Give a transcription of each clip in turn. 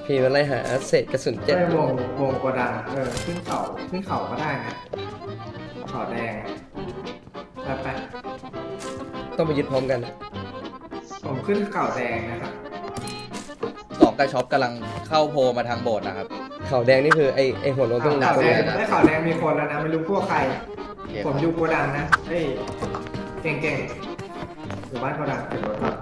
พี่มาไล่หาเศษกระสุนเจ็ดได้วงกระดังขึ้นเขาก็ได้นะเขาแดงไปต้องไปยึดพร้อมกันนะผมขึ้นเขาแดงนะครับสองกระช็อปกำลังเข้าโพมาทางโบสถ์นะครับเขาแดงนี่คือไอหัวโล้นต้องเขาตรงแดไหนงนะได้เขาแดงมีคนแล้วนะไม่รู้พวกใคร ผมอยู่โกดังนะเฮ้ยเก่งอยู่บ้านโกดังเก็บรถก่อน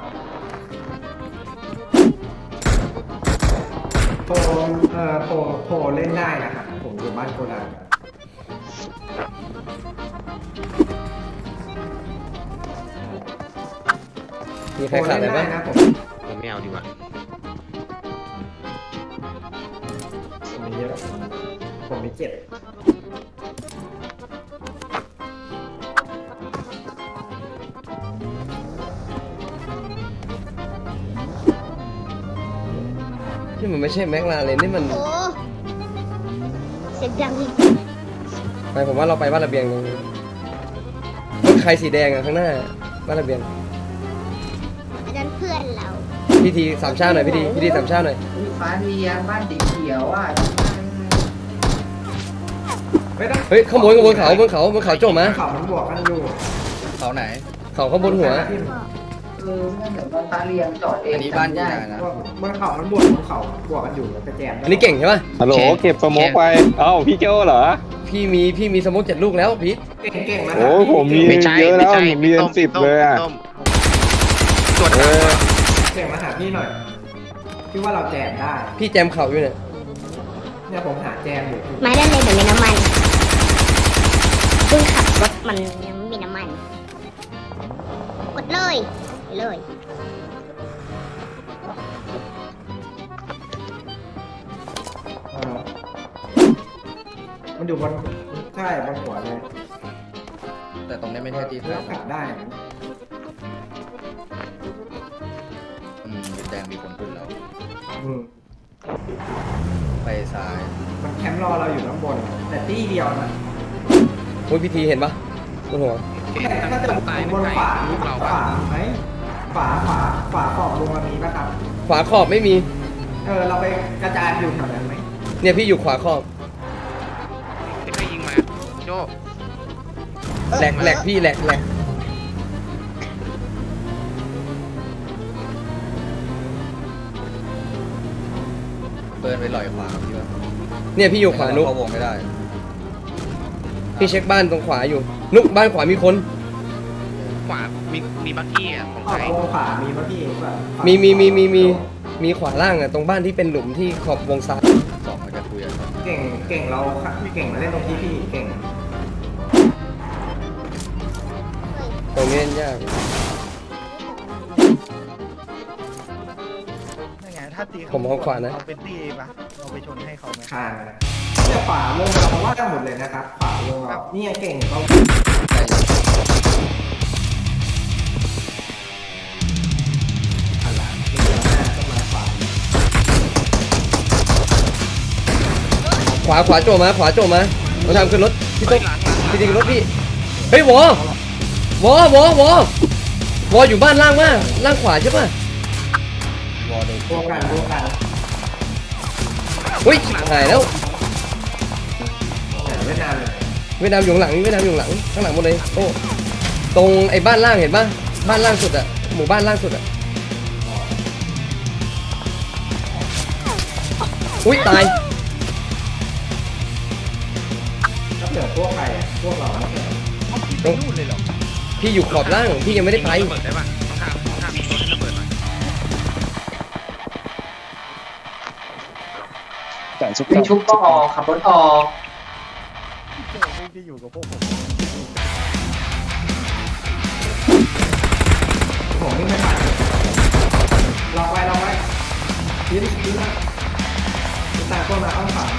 โพเล่นได้นะครับผมอยู่บ้านโกดังมีใครขาดอะไรบ้างนะผมผมไม่เอาดีกว่ามีเยอะผมมี7 นี่มันไม่ใช่แม็กลาเลยนี่มันโอ้เสียงดังอีกไปผมว่าเราไปบ้านระเบียงตรงนี้รถใครสีแดงอะข้างหน้าบ้านระเบียงอันนั้นเพื่อนเราพิธีสามชาติหน่อยพิธีสามชาติหน่อยฟ้าเรียงบ้านสีเขียวอ่ะไม่ต้องเฮ้ยขโมยบนเขาโจมมาเขามันบวกกันอยู่เขาไหนเขาข้างบนหัวไม่เหมือนบ้านฟ้าเรียงจอดเองอันนี้บ้านใหญ่นะบนเขามันบวกกันอยู่ไปแจมอันนี้เก่งใช่ปะฮัลโหลเก็บสโมกไป เอ้าพี่เจ้าเหรอพี่มีสโมก7 ลูกแล้วพีทเก่งนะโอ้ผมมีไม่ใช่เยอะแล้วไใช่ผมมีเป็นต้ 10เลยอ่ะต้มตรวจเอสอบอเก่งมาหาพี่หน่อยพี่ว่าเราแจมได้พี่แจมเข่าอยู่เนี่ยเนี่ยผมหาแจมอยู่ไม้ด้านในเหมือนมีน้ำมันเพิ่งขับรถมันยังไม่มีน้ำมัน กดเลยเลยมันอยู่บนใช่บนหัวเลยแต่ตรงนี้ไม่ใช่ที่เลืเพื่ออก นกลับได้แดงมีคนขึ้นแล้วอืมไปซ้ายมันแคมป์รอเราอยู่ข้างบน แต่ที่เดียวนะโอ้ยพิธีเห็นปะบนหัวแต่ถ้าจะบนขวามีขวาไหมขวาขอบวงมันมีปะครับขวาขอบไม่มีเราไปกระจายอยู่แถวนั้นไหมเนี่ยพี่อยู่ขวาขอบที่ใครยิงมาโจแหลกพี่แหลกเปิดไปลอยขวาพี่ว่าเนี่ยพี่อยู่ขวานุกเข้าวงไม่ได้พี่เช็คบ้านตรงขวาอยู่ นุกบ้านขวามีคนขวามีบักกี้อ่ะของขอใครบวงขวามีปะพี่มีขวาล่างอะตรงบ้านที่เป็นหลุมที่ขอบวงซ้ายสองมันจะคุยกันเก่งเราเก่งมาเล่นตรงที่พี่เก่งตรงนี้เล่นยากนั่นไงถ้าตีผมเอาขวานะเอาเป็นตีปะเอาไปชนให้เขาไหมคานเนี่ยขวาวงเราว่ากันหมดเลยนะครับขวาวงเราเนี่ยเก่งเราหันหลังเดี๋ยวหน้าต้องมาขวาขวาโจมมาเราทำขึ้นรถพี่ตุ๊กพี่ดีขึ้นรถพี่เฮ้ยวออยู่บ้านล่างมากล่างขวาใช่ปะวอลโดนบวกกันอุ้ยหายแล้วแต่ไม่นานเลยเวียดนามอยู่ข้างหลังข้างหลังหมดเลยโอ้ตรงไอ้บ้านล่างเห็นปะบ้านล่างสุดอะหมู่บ้านล่างสุดอะอุ้ยตายแล้วเหลือพวกใครอ่ะพวกเราเนี่ยไปนู่นเลยเหรอพี่อยู่ขอบล่างพี่ยังไม่ได้ไประเบิดได้ปะต้องทำมีรถให้ระเบิดหน่อยจ่ายชุบวิ่งชุบก็ออกขับรถออกเจอพวกที่อยู่กับพวกผมผมไม่ผ่านลองไว้ยืนนะตาตัวมาอ้อมขวา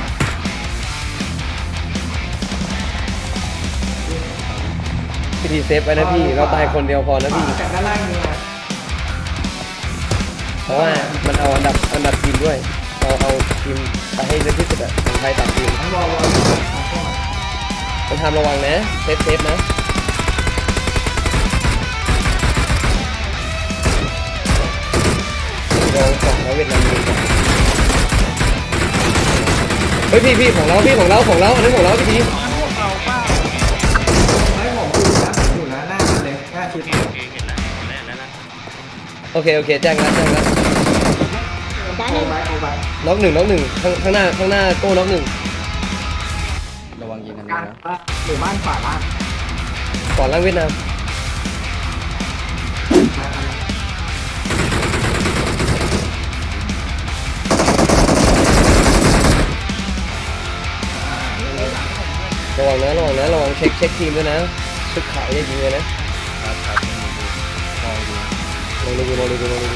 พิธีเซฟไว้นะพี่เราตายคนเดียวพอนะพี่แต่ด้านล่างนี่นะเพราะว่ามันเอาอันดับทีมด้วยเอาทีมไปให้เยอะที่สุดอะของไทยต่างทีมทั้งวอลต้องทำระวังนะเซฟนะลองสองแล้วเวียดนามยิงฮ้ยพี่ของเราอันนี้ของเราพี่ทีไม่ผมอยู่นะหน้ามันเลยหน้าชิดโอเคเห็นแล้วนะโอเคแจ้งแล้วด้านโคหนึ่งบายโคบายน็อกหนึ่งข้างหน้าโก้น็อกหนึ่งระวังยิงกันกลานะงหรือบ้านขวาล่างก่อนล่างเวียดนามระวังเช็คทีมด้วยนะชุดขาวอย่ายิงเลยนะครับมองดูลองดู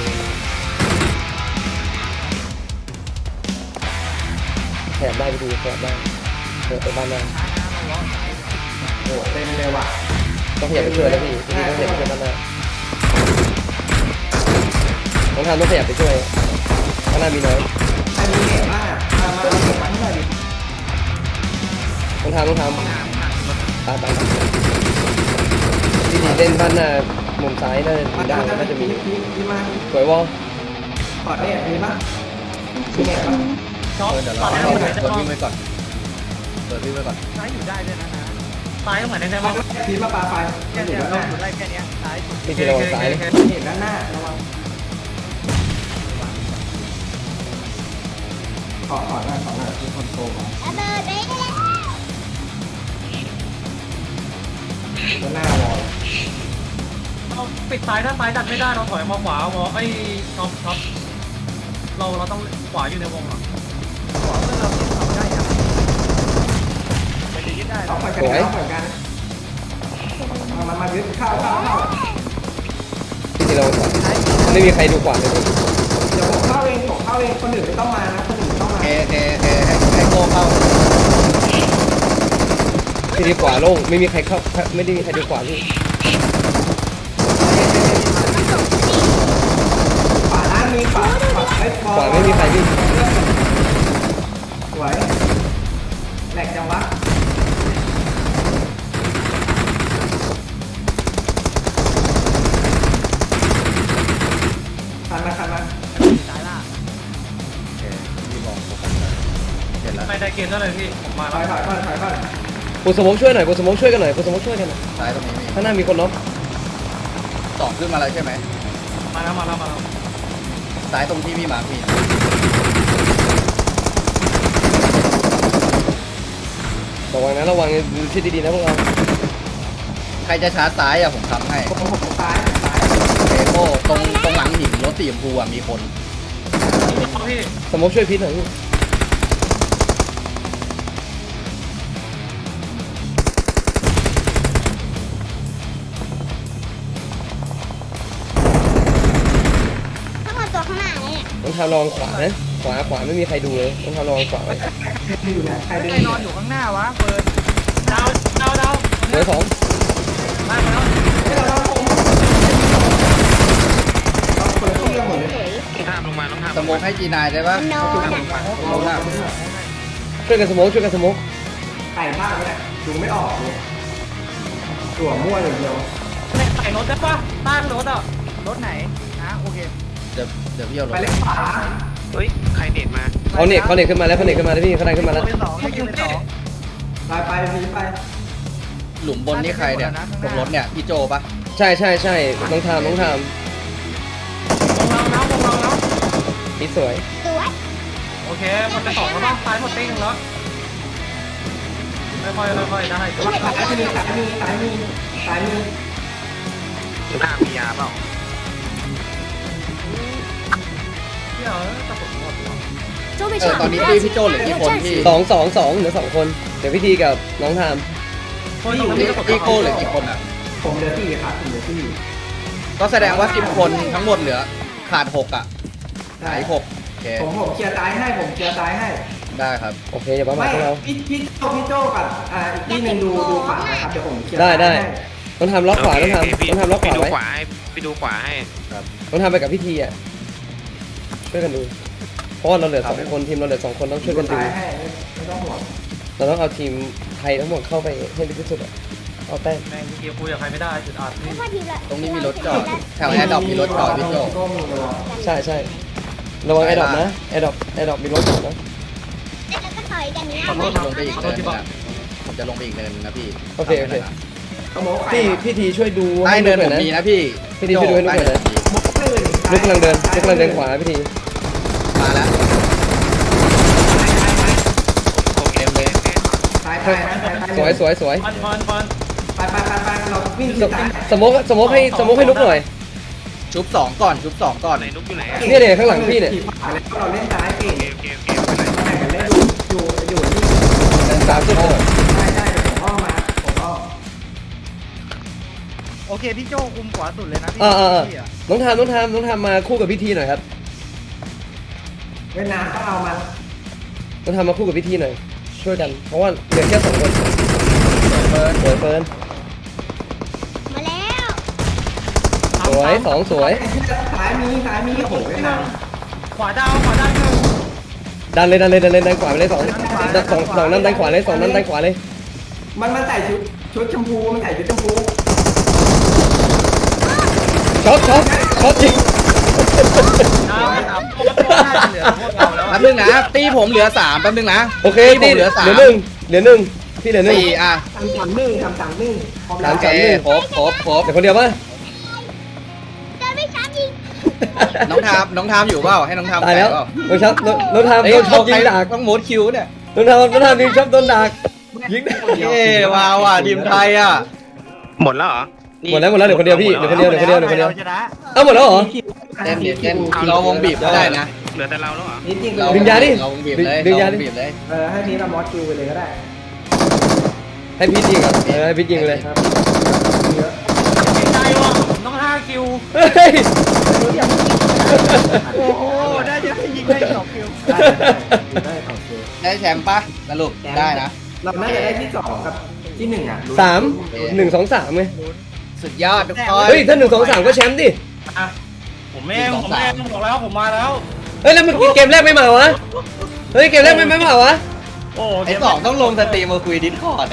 แถบได้ไปดูแถบได้เปิดไปบ้านได้โอ้เต็มเลยว่ะต้องขยับไปช่วยแล้วพี่ต้องขยับไปช่วยบ้านได้ต้องทำต้องขยับไปช่วยข้างหน้ามีน้อยใครมีเหตุบ้างอ่ะมาเอาเหตุมาให้หน่อยดิต้องทำตามพี่ทีเล่นบ้านหน้ามุมซ้ายน่าจะมีพี่มาสวยวอลกอดเนี่ยมีป่ะมีเหตุป่ะเดี๋ยวเราเปิดวิ่งไว้ก่อนซ้ายอยู่ได้ด้วยนะนะตายตรงไหนได้บ้างพีมาปลาไฟแค่อยู่เนี้ยด้านหน้าอยู่ไล่แค่เนี้ยซ้ายสุดพี่ทีระวังซ้ายเลยเหตุด้านหน้าระวังขอหน่อยคือคนโตมาระเบิดไปแล้วด้านหน้าวอลเราปิดซ้ายถ้าซ้ายดันไม่ได้เราถอยมาขวามอไอ้ท็อปเราต้องขวาอยู่ในวงหรอขวาเพื่อนเราที่ทำได้ยังไปยึดได้เอาเหมือนกันมายึดเข้าพี่ทีระวังขวาไม่มีใครดูขวาเลยเดี๋ยวผมเข้าเองคนอื่นไม่ต้องมานะคนอื่นไม่ต้องมาให้โก้เข้าพี่ทีขวาโล่งไม่มีใครเข้าไม่ได้มีใครดูขวาพี่ขวาล่างมีขวาขวาไม่มีใครพี่สวยแหลกจังวะคันมาซ้ายล่างโอเคพี่มองโฟกัสเห็นแล้วไม่ได้เกณฑ์เท่าไหร่พี่ผมมาถแล้วอยก่อนปูสมองช่วยหน่อยปูสมองช่วยกันหน่อยซ้ายตรงนี้มีข้างหน้ามีคนน็อกสองขึ้นมาแล้วใช่ไหมมาแล้วซ้ายตรงที่พี่มาร์คมีระวังดูชิดดีๆนะพวกเราใครจะชาร์จซ้ายอ่ะผมทำให้ผมซ้ายโอเคโก้ตรงหลังหินรถสีชมพูอ่ะมีคนพี่สมองช่วยพิษหน่อยพี่ทั้งหมดตัวข้างหน้าเนี่ยต้องทำระวังขวานะขวาไม่มีใครดูเลยต้องทำระวังขวาไว้อยู่เนี่ยใครใคดึรง นอนอยู่ข้างหน้าวะเปิดดาวเหลือสองมาแล้วเราคนละที่กันหมดเลยต้องทำลงมาต้องทำสโมกให้จีนายได้ปะโน้ตอ่ะลงหน้าช่วยกันสมองไก่บ้านเนี่ยดูไม่ออกเลยตัวมั่วอย่างเดียวใส่รถได้ปะใต้รถอ่ะรถไหนนะโอเคเดี๋ยวพี่เอาลไปงเล็กขวาเฮ้ยใครเน็ตมาเขาเน็ตขึ้นมาแล้วพี่เขาดันขึ้นมาแล้วเป็นสองได้กินเป็นสองไปพีไปหลุมบนนี่ใครเนี่ยตรงรถเนี่ยพี่โจปะใช่ต้องทำวงเราแล้วนี่สวยสวยโอเคหมดไป2แล้วป่ะซ้ายหมดติ้งแล้วค่อยได้ซ้ายมีหน้ามียาเปล่าเดี๋ยวจะปวดหัวตอนนี้พี่โจเหลือกี่คนพี่ 2เหลือ2คนเดี๋ยวพี่ทีกับน้องทามพี่โก้เหลือกี่คนอ่ะผมเดือดที่ครับผมเดือดที่ก็แสดงว่า10คนทั้งหมดเหลือขาด6อ่ะหาย6โอเคผมเคลียร์ซ้ายให้ผมเคลียร์ซ้ายให้ได้ครับโอเคอย่าประมาไม่ทพวกเราพี่โจกับอีกที่หนึ่งดูขวานะครับเดี๋ยวผมเคลียร์ได้ต้องทำล็อกขวาต้องทำล็อกขวาดูไว้ขวาให้ไปดูขวาให้ต้องทำไปกับพี่ทีอ่ะช่วยกันดูเพราะเราเหลือ2คนทีมเราเหลือ2คนต้องช่วยกันดูซ้ายให้ไม่ต้องห่วงเราต้องเอาทีมไทยทั้งหมดเข้าไปให้ดีที่สุดอ่ะเอาแต้มแม่งเกียร์คุยกับใครไม่ได้จุดอัดนี่ไม่พอทีละตรงนี้มีรถจอดแถวแอร์ดรอปมีรถจอดพี่โจก็มีระวังใช่ระวังแอร์ดรอปนะแอร์ดรอปมีรถจอดนะแล้วก็ถอยกันเนี่ยผมจะลงไปอีกเนินนึงอะผมจะลงไปอีกเนินนึงนะพี่โอเคโอเคสโมกใครพี่ทีช่วยดูใต้ให้เนินุ๊นกหผน่อยมนะมีนะพี่พี่ดีช่วยดูให้นุ๊กหน่อยนะสโมกตื่นนุ๊กกำลังเดินนุ๊กกำลังเดินขวาพี่ทีมาแล้วโอเคเลยตายตายตายตายสวยสวยสวยฟันไปเราวิ่งสโมกสโมกให้นุ๊กหน่อยชุบ2ก่อนชุบ2ก่อนไหนนุ๊กอยู่ไหนอะเนี่ยข้างหลังพี่เนี่ยเราเล่นซ้ายเก่งโอเคโอเคโอเคไม่เป็นไรแข่งกันเล่นอยู่นี่สามสุดได้ผมอ้อมาผมอ้อโอเคพี่โจคุมขวาสุดเลยนะพี่ พี่อะน้องทามมาคู่กับพี่ทีหน่อยครับเวียดนามก็เอามันน้องทามมาคู่กับพี่ทีหน่อยช่วยกันเพราะว่าเหลือแค่2 คนสวยเฟิร์นมาแล้วสวย2สวยซ้ายมีโอ้โหเวียดนามขวาดาวหนึ่งดันขวาไปเลย2นั้นดันขวาเลย2นั้นดันขวาเลยมันใส่ชุดชมพูมันใส่ชุดชมพูช็อตจริงดาวเหลือพวกเราแล้วแป๊บนึงนะตีผมเหลือ3แป๊บนึงนะโอเคตีผมเหลือเหลือ 3 1พี่เหลือ1 4อ่ะ 3-1 โอเคครบเดี๋ยวคนเดียวป่ะเดินไม่ช้ายิงน้องทามอยู่เปล่าให้น้องทามตายแล้วเปล่าน้องทามเฮ้ยโดนชอบยิงใครดักต้องโมดคิวเนี่ยน้องทามยิงชอบโดนดักยิงเย้ว้าวอ่ะทีมไทยอ่ะหมดแล้วเหรอหมดแล้วเหลือคนเดียวพี่เหลือคนเดียวเราชนะเอ้าหมดแล้วเหรอเต้นเราวงบีบก็ได้นะเหลือแต่เราแล้วเหรอนี่จริงดึงยาดิเราวงบีบเลยดึงยาเราวดิงบีบเลยให้นี้เรามอสคิวไปเลยก็ได้ให้พี่ยิงก่อนให้พี่ยิงเลยใจว่ะต้อง5 คิวเฮ้ยโอ้โหได้จะให้ยิงได้2 คิวได้โอเคได้แชมป์ปะสรุปได้นะเราน่าจะได้ที่2กับที่1อ่ะ 3 1 2 3ไงสุดยอดทุกคนเฮ้ยถ้า1 2 3ก็แชมป์ดิอ่ะผมเองบอกแล้วผมมาแล้วเฮ้ยแล้วเมื่อกี้เกมแรกไม่มาวะเฮ้ยเกมแรกไม่มาวะโอ้ไอ้สองต้องลงสตรีมมาคุยดิสคอร์ดเลย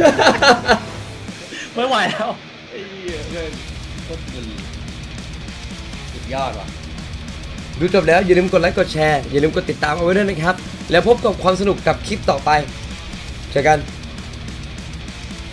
ไม่ไหวแล้วสุดยอดว่ะดูจบแล้วอย่าลืมกดไลค์กดแชร์อย่าลืมกดติดตามเอาไว้ด้วยนะครับแล้วพบกับความสนุกกับคลิปต่อไปเจอกัน